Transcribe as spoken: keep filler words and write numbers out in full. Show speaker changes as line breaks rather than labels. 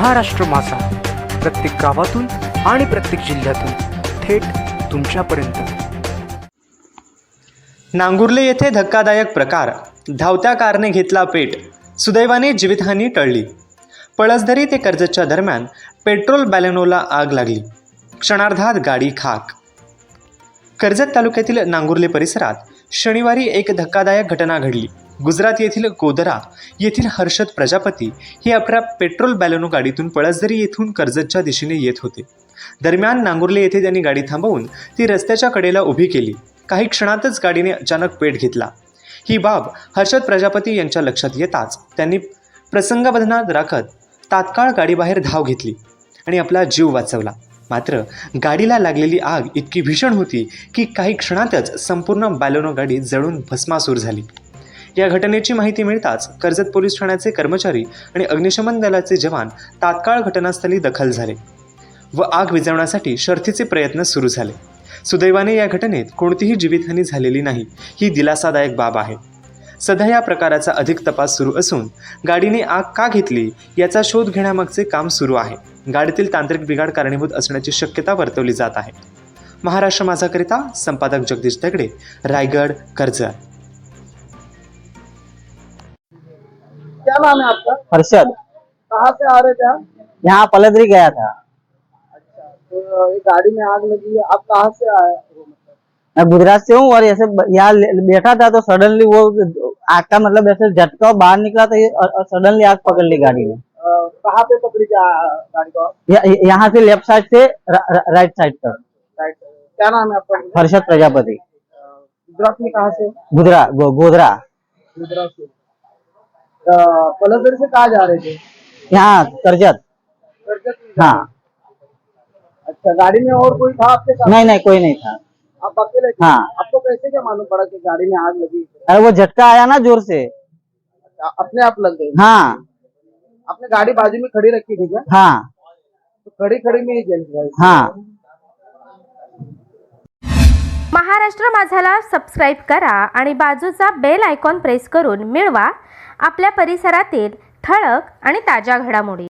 महाराष्ट्र माझा, प्रत्येक गावातून आणि प्रत्येक जिल्ह्यातून थेट तुमच्यापर्यंत।
नांगुर्ले येथे धक्कादायक प्रकार, धावत्या कारने घेतला पेट, सुदैवाने जीवितहानी टळली। पळसधरी ते कर्जतच्या दरम्यान पेट्रोल बॅलेनोला आग लागली, क्षणार्धात गाडी खाक। कर्जत तालुक्यातील नांगुर्ले परिसरात शनिवारी एक धक्कादायक घटना घडली। गुजरात येथील गोधरा येथील हर्षद प्रजापती हे आपल्या पेट्रोल बॅलेनो गाडीतून पळसधरी येथून कर्जतच्या दिशेने येत होते। दरम्यान नांगुर्ले येथे त्यांनी गाडी थांबवून ती रस्त्याच्या कडेला उभी केली। काही क्षणातच गाडीने अचानक पेट घेतला। ही बाब हर्षद प्रजापती यांच्या लक्षात येताच त्यांनी प्रसंगावधानात राखत तात्काळ गाडीबाहेर धाव घेतली आणि आपला जीव वाचवला। मात्र गाडीला लागलेली आग इतकी भीषण होती की काही क्षणातच संपूर्ण बॅलेनो गाडी जळून भस्मासूर झाली। या घटनेची माहिती मिळताच कर्जत पोलीस ठाण्याचे कर्मचारी आणि अग्निशमन दलाचे जवान तात्काळ घटनास्थळी दाखल झाले व आग विझवण्यासाठी शर्थीचे प्रयत्न सुरू झाले। सुदैवाने या घटनेत कोणतीही जीवितहानी झालेली नाही, ही दिलासादायक बाब आहे। सध्या या प्रकाराचा अधिक तपास सुरू असून गाडीने आग का घेतली याचा शोध घेण्यामागचे काम सुरू आहे। गाडीतील तांत्रिक बिघाड कारणीभूत असण्याची शक्यता वर्तवली जात आहे। महाराष्ट्र माझाकरिता संपादक जगदीश दगडे, रायगड, कर्जत।
क्या नाम है आपका?
हर्षद।
कहाँ से आ रहे थे आप?
यहाँ पलदरी गया था।
अच्छा, तो ये गाड़ी में आग लगी है, आप कहाँ से आए हो? मतलब
मैं गुजरात से हूँ और ऐसे यहाँ बैठा था तो सडनली वो आग का मतलब ऐसे झटका बाहर निकला तो सडनली आग पकड़ ली गाड़ी में।
अ, कहाँ पे पकड़ी जा- गाड़ी को?
य- यहाँ से लेफ्ट साइड से रा, रा, राइट साइड तक।
राइट। क्या नाम है आपका?
हर्षद प्रजापति।
अ, गुजरात में कहाँ से?
गुजरा गो, गोधरा।
गुजरात से। अ, पलसदरी से कहाँ जा रहे थे?
यहाँ कर्जत।
कर्जत में जा रहे
हाँ।
थे। अच्छा, गाड़ी में और कोई था आपके साथ?
नहीं नहीं कोई नहीं था।
आप अकेले थे?
हाँ।
आपको कैसे क्या मालूम पड़ा कि गाड़ी में आग लगी?
अरे वो झटका आया ना जोर से।
अच्छा, अपने आप लग गई?
हाँ
आपने गाड़ी बाजू में खड़ी रखी थी क्या?
हाँ
तो खड़ी खड़ी में ही जल गई?
हाँ।
महाराष्ट्र माझाला सबस्क्राईब करा आणि बाजूचा बेल आयकॉन प्रेस करून मिळवा आपल्या परिसरातील ठळक आणि ताज्या घडामोडी।